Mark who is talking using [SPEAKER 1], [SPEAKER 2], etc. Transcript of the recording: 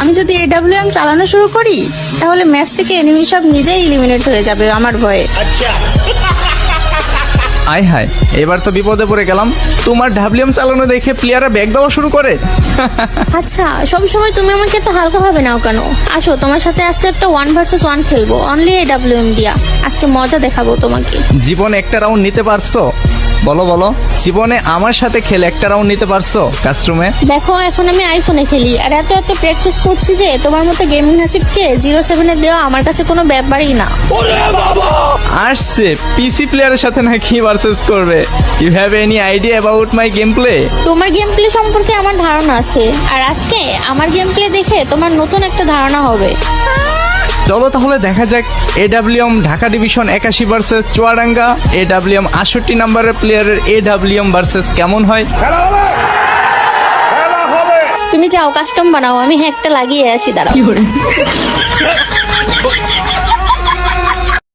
[SPEAKER 1] আমি যদি AWM চালানো শুরু করি তাহলে ম্যাচ থেকে এনিমি সব নিজেই এলিমিনেট হয়ে যাবে আমার ভয়ে।
[SPEAKER 2] আয় হায়, এবার তো বিপদে পড়ে গেলাম। তোমার ডাব্লিউএম চালানো দেখে প্লেয়াররা ব্যাগ দেওয়া শুরু করে।
[SPEAKER 1] আচ্ছা, সব সময় তুমি আমাকে এত হালকা ভাবে নাও কেন? আসো, তোমার সাথে আজকে একটা 1 ভার্সেস 1 খেলবো, অনলি AWM দিয়া। আজকে মজা দেখাবো তোমাকে।
[SPEAKER 2] জীবনে একটা রাউন্ড নিতে পারছো? বলো বলো, জীবনে আমার সাথে খেলে একটা রাউন্ড নিতে পারছো কাস্টরুমে?
[SPEAKER 1] দেখো, এখন আমি আইফোনে খেলি আর এত এত প্র্যাকটিস করছি যে তোমার মতো গেমিং হাসিবকে 07 দেওয়া আমার কাছে কোনো ব্যাপারই না।
[SPEAKER 2] আসছে পিসি প্লেয়ারের সাথে নাকি ভার্সেস করবে। You have any idea about my game play?
[SPEAKER 1] তোমার গেম প্লে সম্পর্কে আমার ধারণা আছে, আর আজকে আমার গেম প্লে দেখে তোমার নতুন একটা ধারণা হবে।
[SPEAKER 2] চলো তাহলে দেখা যাক AWM Dhaka division 81 versus Chuadanga, AWM 68 নাম্বারের প্লেয়ারের AWM ভার্সেস কেমন হয়।
[SPEAKER 1] তুমি যাও কাস্টম বানাও, আমি হ্যাকটা লাগিয়ে আসি, দাঁড়াও।